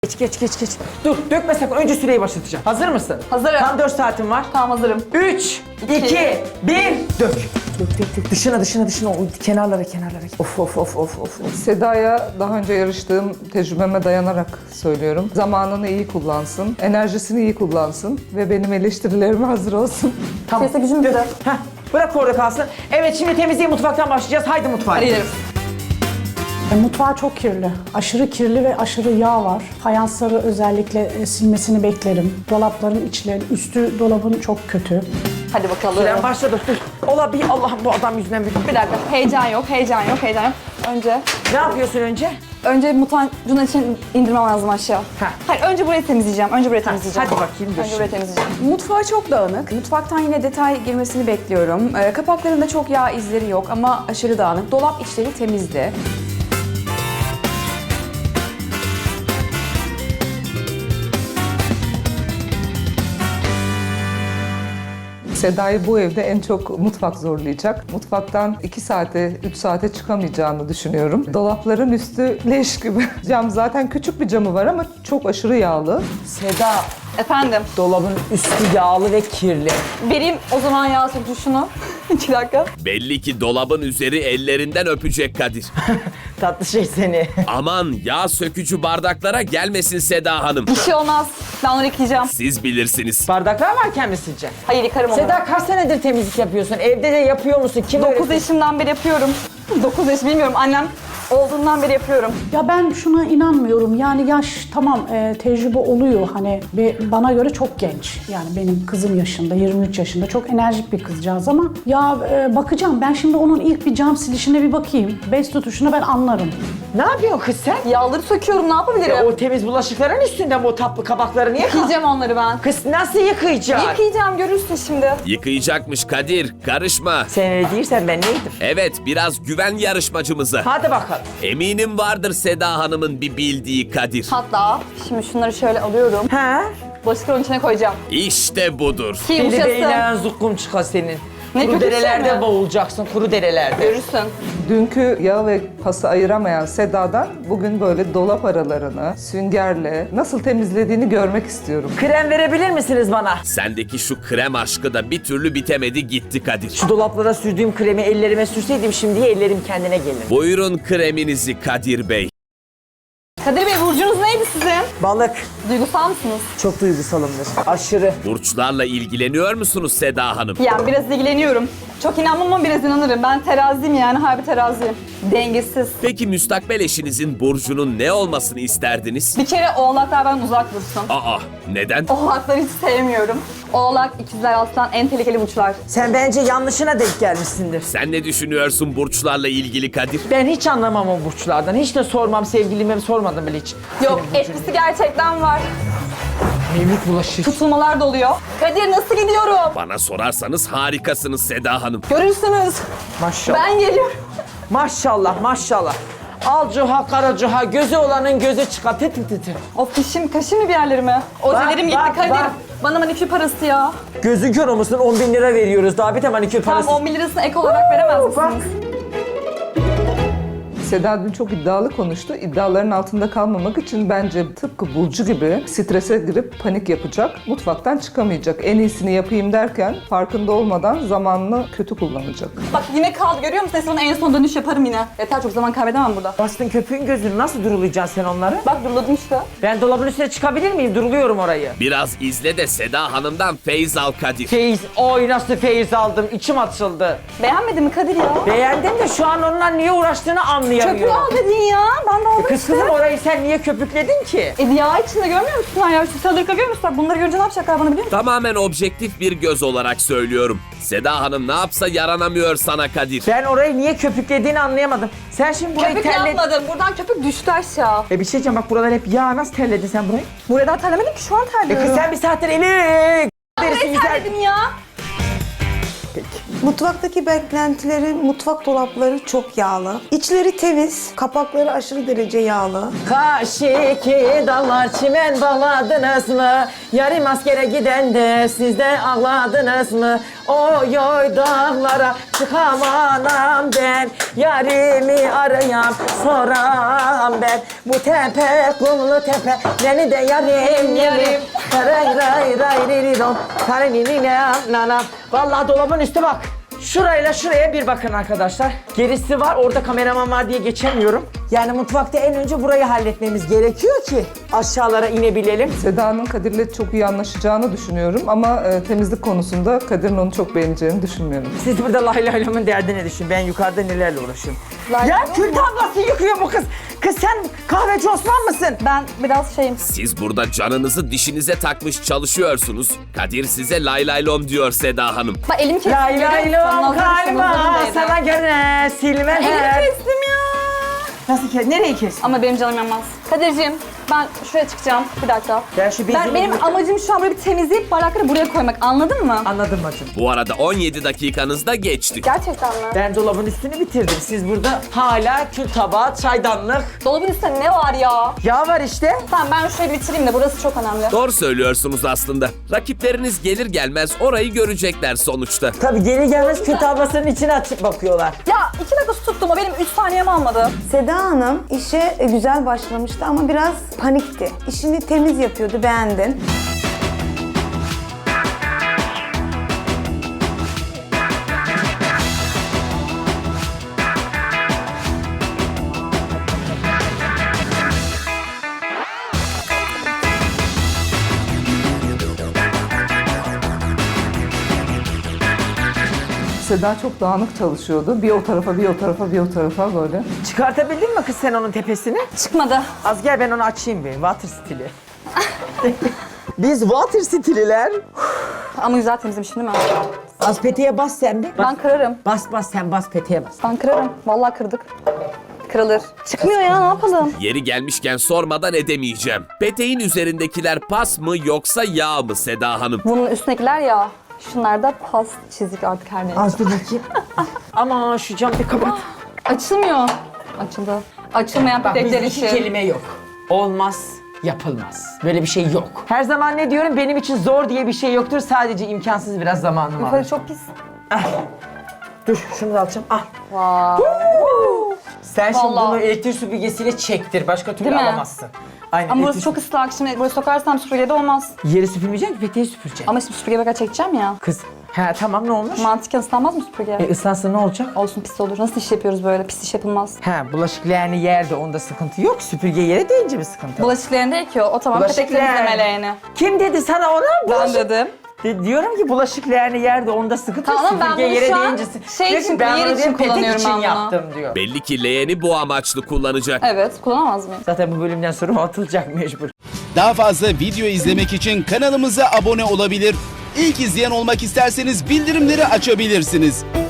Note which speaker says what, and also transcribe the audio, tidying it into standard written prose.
Speaker 1: Geç. Dur, dökme sakın. Önce süreyi başlatacağım. Hazır mısın?
Speaker 2: Hazırım.
Speaker 1: Tam 4 saatin var.
Speaker 2: Tamam hazırım.
Speaker 1: 3, 2, 1, dök. Dök. Dışına. O kenarlara. Of.
Speaker 3: Seda'ya daha önce yarıştığım tecrübeme dayanarak söylüyorum. Zamanını iyi kullansın, enerjisini iyi kullansın ve benim eleştirilerime hazır olsun.
Speaker 1: Tamam.
Speaker 2: Sesle gücüm bitti.
Speaker 1: Heh, bırak orada kalsın. Evet, şimdi temizliğe mutfaktan başlayacağız. Haydi mutfağa.
Speaker 2: Hadi gidelim.
Speaker 4: Mutfağı çok kirli. Aşırı kirli ve aşırı yağ var. Fayansları özellikle silmesini beklerim. Dolapların içleri, üstü dolabın çok kötü.
Speaker 2: Hadi bakalım.
Speaker 1: Süren başladı. Dur. Ola bir Allah'ım bu adam yüzünden bir...
Speaker 2: Bir dakika. Heyecan yok.
Speaker 1: Ne yapıyorsun önce?
Speaker 2: Önce mutfağın için indirmem lazım aşağı.
Speaker 1: Ha.
Speaker 2: Hayır, önce burayı temizleyeceğim.
Speaker 1: Hadi bakayım dur.
Speaker 2: Önce burayı temizleyeceğim.
Speaker 5: Mutfağı çok dağınık. Mutfaktan yine detay girmesini bekliyorum. Kapaklarında çok yağ izleri yok ama aşırı dağınık. Dolap içleri temizdi.
Speaker 3: Seda'yı bu evde en çok mutfak zorlayacak. Mutfaktan 2 saate, 3 saate çıkamayacağını düşünüyorum. Dolapların üstü leş gibi. Cam zaten küçük bir camı var ama çok aşırı yağlı.
Speaker 1: Seda,
Speaker 2: Efendim,
Speaker 1: dolabın üstü yağlı ve kirli.
Speaker 2: vereyim o zaman yağ sökücü şunu. 2 dakika.
Speaker 6: Belli ki dolabın üzeri ellerinden öpecek Kadir.
Speaker 1: Tatlı şey seni.
Speaker 6: Aman yağ sökücü bardaklara gelmesin Seda Hanım.
Speaker 2: Bir şey olmaz. Ben onları yıkayacağım.
Speaker 6: Siz bilirsiniz.
Speaker 1: Bardaklar varken mi sileceksin?
Speaker 2: Hayır, yıkarım onları.
Speaker 1: Seda, kaç senedir temizlik yapıyorsun? Evde de yapıyor musun? Kim
Speaker 2: 9
Speaker 1: öğretti?
Speaker 2: yaşımdan beri yapıyorum. 9 yaş bilmiyorum. Annem olduğundan beri yapıyorum.
Speaker 4: Ya ben şuna inanmıyorum. Yani yaş tamam tecrübe oluyor. Hani bana göre çok genç. Yani benim kızım yaşında, 23 yaşında. Çok enerjik bir kızcağız ama ya bakacağım. Ben şimdi onun ilk bir cam silişine bir bakayım. Bez tutuşuna ben anlarım.
Speaker 1: Ne yapıyorsun kız sen?
Speaker 2: Yağları söküyorum. Ne yapabilirim?
Speaker 1: O temiz bulaşıkların üstünden bu tatlı kabakları niye
Speaker 2: Yıkayacağım onları ben.
Speaker 1: Kız nasıl yıkayacaksın?
Speaker 2: Yıkayacağım, görürsün şimdi.
Speaker 6: Yıkayacakmış Kadir. Karışma.
Speaker 1: Sen öyle değilsen ben neydim?
Speaker 6: Evet, biraz güven yarışmacımıza.
Speaker 1: Hadi bakalım.
Speaker 6: Eminim vardır Seda Hanım'ın bir bildiği Kadir.
Speaker 2: Hatta şimdi şunları şöyle alıyorum.
Speaker 1: Ha?
Speaker 2: Bulaşıkların içine koyacağım.
Speaker 6: İşte budur.
Speaker 2: Ki
Speaker 1: Deli
Speaker 2: yumuşasın.
Speaker 1: beylen zukkum çıkar senin.
Speaker 2: Ne
Speaker 1: Kuru
Speaker 2: kötü bir şey
Speaker 1: derelerde
Speaker 2: mi?
Speaker 1: boğulacaksın, kuru derelerde.
Speaker 2: Görürsün.
Speaker 3: Dünkü yağ ve pası ayıramayan Seda'dan bugün böyle dolap aralarını süngerle nasıl temizlediğini görmek istiyorum.
Speaker 1: Krem verebilir misiniz bana?
Speaker 6: Sendeki şu krem aşkı da bir türlü bitemedi gitti Kadir.
Speaker 1: Şu dolaplara sürdüğüm kremi ellerime sürseydim şimdiye ellerim kendine gelir.
Speaker 6: Buyurun kreminizi Kadir Bey.
Speaker 2: Kadir Bey, burcunuz neydi sizin?
Speaker 1: Balık.
Speaker 2: Duygusal mısınız?
Speaker 1: Çok duygusalımdır. Aşırı.
Speaker 6: Burçlarla ilgileniyor musunuz Seda Hanım?
Speaker 2: Yani biraz ilgileniyorum. Çok inanmam ama biraz inanırım. Ben teraziyim, yani harbi teraziyim. Dengesiz.
Speaker 6: Peki müstakbel eşinizin burcunun ne olmasını isterdiniz?
Speaker 2: Bir kere oğlaklardan uzak dursun.
Speaker 6: Aa, neden?
Speaker 2: Oğlakları hiç sevmiyorum. Oğlak, ikizler, aslan en tehlikeli burçlar.
Speaker 1: Sen bence yanlışına denk gelmişsindir.
Speaker 6: Sen ne düşünüyorsun burçlarla ilgili Kadir?
Speaker 1: Ben hiç anlamam o burçlardan. Hiç de sormam, sevgilime sormadım bile hiç.
Speaker 2: Yok, etkisi gerçekten var.
Speaker 1: Mevlüt bulaşır.
Speaker 2: Tutulmalar da oluyor. Kadir, nasıl gidiyorum?
Speaker 6: Bana sorarsanız harikasınız Seda Hanım.
Speaker 2: Görürsünüz.
Speaker 1: Maşallah.
Speaker 2: Ben geliyorum.
Speaker 1: Maşallah. Al cuha, kara cuha, gözü olanın gözü çıkar. Tı.
Speaker 2: Of, kaşım mı bir yerlerime? Ojelerim gitti
Speaker 1: bak,
Speaker 2: Kadir.
Speaker 1: bak.
Speaker 2: Bana manikür parası ya.
Speaker 1: Gözün kör olmasın, 10.000 lira veriyoruz. Daha bir de manikür
Speaker 2: Tamam,
Speaker 1: parası.
Speaker 2: 10 bin lirasını ek olarak veremez
Speaker 1: Bak.
Speaker 2: misiniz?
Speaker 3: Seda dün çok iddialı konuştu. İddiaların altında kalmamak için bence tıpkı Burcu gibi strese girip panik yapacak. Mutfaktan çıkamayacak. En iyisini yapayım derken farkında olmadan zamanını kötü kullanacak.
Speaker 2: Bak yine kaldı, görüyor musun? Sana en son dönüş yaparım yine. Yeter, çok zaman kaybedemem burada.
Speaker 1: Bastın köpüğün gözünü, nasıl durulayacaksın sen onları?
Speaker 2: Bak duruladım işte.
Speaker 1: Ben dolabın üstüne çıkabilir miyim? Duruluyorum orayı.
Speaker 6: Biraz izle de Seda Hanım'dan feyz al Kadir.
Speaker 1: Feyiz, oy nasıl feyiz aldım, içim açıldı.
Speaker 2: Beğenmedin mi Kadir ya?
Speaker 1: Beğendim de şu an onunla niye uğraştığını anlayamıyorum.
Speaker 2: Köpüğü al dedin ya. Ben de aldım
Speaker 1: Kız
Speaker 2: işte.
Speaker 1: kızım orayı sen niye köpükledin ki?
Speaker 2: Yağ içinde görmüyor musun sen ya? Şu sadırka görmüyor musun? Bak bunları görünce ne yapacaklar bana biliyor musun?
Speaker 6: Tamamen objektif bir göz olarak söylüyorum. Seda Hanım ne yapsa yaranamıyor sana Kadir.
Speaker 1: Ben orayı niye köpüklediğini anlayamadım. Sen şimdi burayı
Speaker 2: Köpük
Speaker 1: terledin.
Speaker 2: yapmadım. Buradan köpük düştü aşağı.
Speaker 1: Bir şey diyeceğim, bak buralar hep yağ, nasıl terledin sen burayı?
Speaker 2: Buraya daha terlemedim ki, şu an terliyorum.
Speaker 1: Kız sen bir saattir eli derisi
Speaker 2: Burayı
Speaker 1: güzel.
Speaker 2: terledim ya.
Speaker 7: Mutfaktaki beklentilerin mutfak dolapları çok yağlı. İçleri temiz, kapakları aşırı derece yağlı.
Speaker 1: Kaşiki dallar çimen bağladınız mı? Yarım askere giden de siz de ağladınız mı? Oy oy dağlara çıkamanam ben. Yarimi arayam soram ben. Bu tepe kumlu tepe beni de yarim. Ray ray ray riridon. Nanam. Vallahi dolabın üstü bak. Şurayla şuraya bir bakın arkadaşlar. Gerisi var, orada kameraman var diye geçemiyorum. Yani mutfakta en önce burayı halletmemiz gerekiyor ki aşağılara inebilelim.
Speaker 3: Seda'nın Kadir'le çok iyi anlaşacağını düşünüyorum ama temizlik konusunda Kadir'in onu çok beğeneceğini düşünmüyorum.
Speaker 1: Siz burada lay lay lamın derdine düşün. Ben yukarıda nelerle uğraşıyorum. Ya kül tablası yıkıyor bu kız. Kız sen kahveci Osman mısın?
Speaker 2: Ben biraz şeyim.
Speaker 6: Siz burada canınızı dişinize takmış çalışıyorsunuz. Kadir size lay lay lom diyor Seda Hanım.
Speaker 2: Bak elim kestim.
Speaker 1: Lay lay lom kalma sana göre silme.
Speaker 2: Elimi kestim ya.
Speaker 1: Nasıl kes? Nereyi kes?
Speaker 2: Ama benim canım yanmaz. Kadir'ciğim ben şuraya çıkacağım. Bir dakika.
Speaker 1: Ya şu bezini
Speaker 2: Benim amacım şu an böyle bir temizleyip bardakları buraya koymak. Anladın mı?
Speaker 1: Anladım bacım.
Speaker 6: Bu arada 17 dakikanız da geçti.
Speaker 2: Gerçekten mi?
Speaker 1: Ben dolabın üstünü bitirdim. Siz burada hala kül tabağı, çaydanlık.
Speaker 2: Dolabın üstünde ne var ya?
Speaker 1: Yağ var işte.
Speaker 2: Tamam ben şurayı bitireyim de burası çok önemli.
Speaker 6: Doğru söylüyorsunuz aslında. Rakipleriniz gelir gelmez orayı görecekler sonuçta.
Speaker 1: Tabii geri gelmez kül tablasının içine açıp bakıyorlar.
Speaker 2: Ya 2 dakika su tuttum o benim 3 saniyemi almadı.
Speaker 7: Seda Hanım işe güzel başlamıştı ama biraz panikti. İşini temiz yapıyordu, beğendin.
Speaker 3: Seda çok dağınık çalışıyordu. Bir o tarafa, bir o tarafa, bir o tarafa böyle.
Speaker 1: Çıkartabildin mi kız sen onun tepesini?
Speaker 2: Çıkmadı.
Speaker 1: Az gel ben onu açayım bir. Water stili. Biz water stililer.
Speaker 2: Ama güzel temizlemişim değil mi?
Speaker 1: Az peteğe bas sen bir.
Speaker 2: Ben kırarım.
Speaker 1: Bas sen bas peteğe bas.
Speaker 2: Ben kırarım. Vallahi kırdık. Kırılır. Çıkmıyor ya ne yapalım?
Speaker 6: Yeri gelmişken sormadan edemeyeceğim. Peteğin üzerindekiler pas mı yoksa yağ mı Seda Hanım?
Speaker 2: Bunun üstündekiler ya. Şunlar da pas çizik artık her neyse.
Speaker 1: Az dur bakayım. Ama şu cam bir kapat.
Speaker 2: Açılmıyor. Açıldı. Açılmayan
Speaker 1: Bak
Speaker 2: petekler
Speaker 1: bizde iki
Speaker 2: için.
Speaker 1: kelime yok. Olmaz, yapılmaz. Böyle bir şey yok. Her zaman ne diyorum? Benim için zor diye bir şey yoktur. Sadece imkansız biraz zamanım
Speaker 2: Yukarı
Speaker 1: alır.
Speaker 2: çok pis.
Speaker 1: Dur şunu da alacağım. Al.
Speaker 2: Vay.
Speaker 1: Sen şimdi
Speaker 2: Vallahi.
Speaker 1: bunu elektrik süpürgesiyle çektir. Başka türlü
Speaker 2: Değil mi?
Speaker 1: alamazsın. Aynen.
Speaker 2: Ama burası
Speaker 1: elektrik
Speaker 2: çok ıslak. Şimdi buraya sokarsam süpürgede olmaz.
Speaker 1: Yeri süpürmeyeceksin ki peteği süpüreceksin.
Speaker 2: Ama şimdi süpürge bakar çekeceğim ya.
Speaker 1: Kız, he tamam ne olmuş?
Speaker 2: Mantıken ıslanmaz mı süpürge?
Speaker 1: Islansın ne olacak?
Speaker 2: Olsun pis olur. Nasıl iş yapıyoruz böyle? Pis iş yapılmaz.
Speaker 1: He bulaşık leğeni yerde onda sıkıntı yok. Süpürge yere değince bir sıkıntı var.
Speaker 2: Bulaşıklarını da ekiyor. O tamam
Speaker 1: Bulaşık
Speaker 2: petek temizleme leğeni.
Speaker 1: Kim dedi sana ona?
Speaker 2: Ben dedim.
Speaker 1: Diyorum ki bulaşık leğeni yerde onda sıkıntı yok.
Speaker 2: Tamam, ben
Speaker 1: Süpürge
Speaker 2: bunu
Speaker 1: yere
Speaker 2: şu an
Speaker 1: değince
Speaker 2: şey
Speaker 1: Diyor
Speaker 2: için,
Speaker 1: ki, ben
Speaker 2: yer
Speaker 1: onu
Speaker 2: için
Speaker 1: diyorum, petek
Speaker 2: kullanıyorum
Speaker 1: için
Speaker 2: ben bunu.
Speaker 1: yaptım diyor.
Speaker 6: Belli ki leğeni bu amaçlı kullanacak.
Speaker 2: Evet. Kullanamaz mıyım?
Speaker 1: Zaten bu bölümden sonra o atılacak mecbur.
Speaker 8: Daha fazla video izlemek için kanalımıza abone olabilir. İlk izleyen olmak isterseniz bildirimleri açabilirsiniz.